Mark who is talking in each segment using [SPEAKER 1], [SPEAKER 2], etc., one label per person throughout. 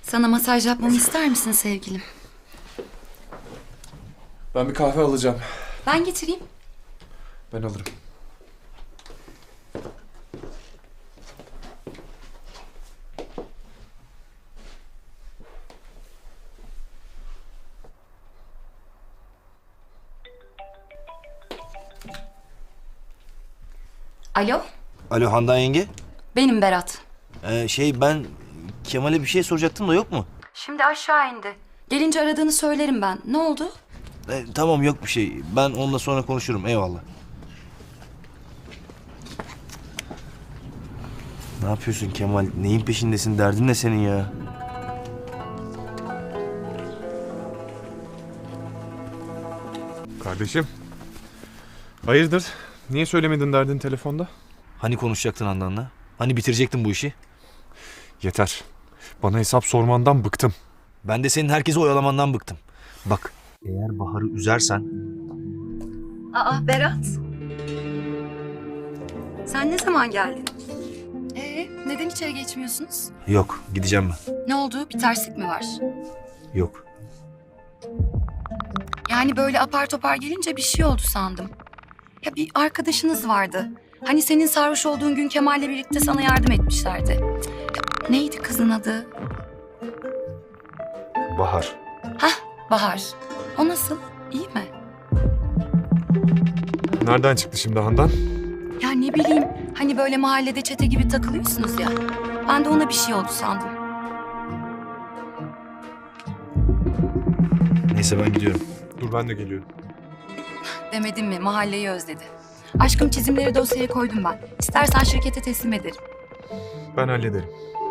[SPEAKER 1] Sana masaj yapmamı ister misin sevgilim?
[SPEAKER 2] Ben bir kahve alacağım.
[SPEAKER 1] Ben getireyim.
[SPEAKER 2] Ben alırım.
[SPEAKER 1] Alo,
[SPEAKER 3] Alo Handan yenge.
[SPEAKER 1] benim Berat.
[SPEAKER 3] Ben Kemal'e bir şey soracaktım da yok mu?
[SPEAKER 1] Şimdi aşağı indi. Gelince aradığını söylerim ben. Ne oldu?
[SPEAKER 3] Tamam yok bir şey. Ben onunla sonra konuşurum. Eyvallah. Ne yapıyorsun Kemal? Neyin peşindesin? Derdin ne senin ya?
[SPEAKER 2] Kardeşim. Hayırdır? Niye söylemedin derdin telefonda?
[SPEAKER 3] Hani konuşacaktın Handan'la? Hani bitirecektin bu işi?
[SPEAKER 2] Yeter. Bana hesap sormandan bıktım.
[SPEAKER 3] Ben de senin herkesi oyalamandan bıktım. Bak, eğer Bahar'ı üzersen...
[SPEAKER 1] Aa Berat. Sen ne zaman geldin? Neden içeri geçmiyorsunuz?
[SPEAKER 3] Yok, gideceğim ben.
[SPEAKER 1] Ne oldu? Bir terslik mi var?
[SPEAKER 3] Yok.
[SPEAKER 1] Yani böyle apar topar gelince bir şey oldu sandım. Ya bir arkadaşınız vardı. Hani senin sarhoş olduğun gün Kemal'le birlikte sana yardım etmişlerdi. Ya, neydi kızın adı?
[SPEAKER 3] Bahar.
[SPEAKER 1] Bahar. O nasıl? İyi mi?
[SPEAKER 2] Nereden çıktı şimdi Handan?
[SPEAKER 1] Ya ne bileyim, hani böyle mahallede çete gibi takılıyorsunuz ya. Ben de ona bir şey oldu sandım.
[SPEAKER 3] Neyse ben gidiyorum.
[SPEAKER 2] Dur ben de geliyorum.
[SPEAKER 1] Demedim mi, mahalleyi özledi. Aşkım çizimleri dosyaya koydum ben. İstersen şirkete teslim ederim.
[SPEAKER 2] Ben hallederim.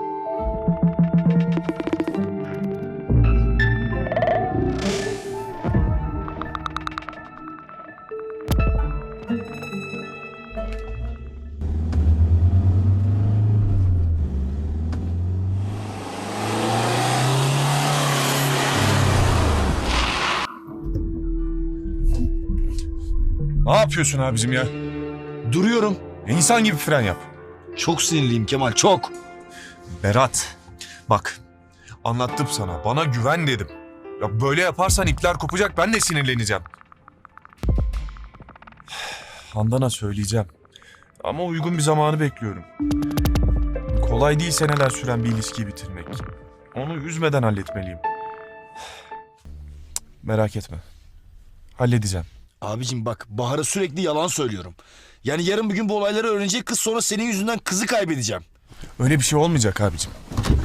[SPEAKER 4] Ne yapıyorsun abicim ya?
[SPEAKER 3] Duruyorum.
[SPEAKER 4] İnsan gibi fren yap.
[SPEAKER 3] Çok sinirliyim Kemal, çok.
[SPEAKER 4] Berat, bak anlattım sana. Bana güven dedim. Ya böyle yaparsan ipler kopacak, ben de sinirleneceğim. Handan'a söyleyeceğim. Ama uygun bir zamanı bekliyorum. Kolay değil seneler süren bir ilişkiyi bitirmek. Onu üzmeden halletmeliyim. Merak etme. Halledeceğim.
[SPEAKER 3] Abicim bak, Bahar'a sürekli yalan söylüyorum. Yani yarın bir gün bu olayları öğrenecek kız, sonra senin yüzünden kızı kaybedeceğim.
[SPEAKER 4] Öyle bir şey olmayacak abicim.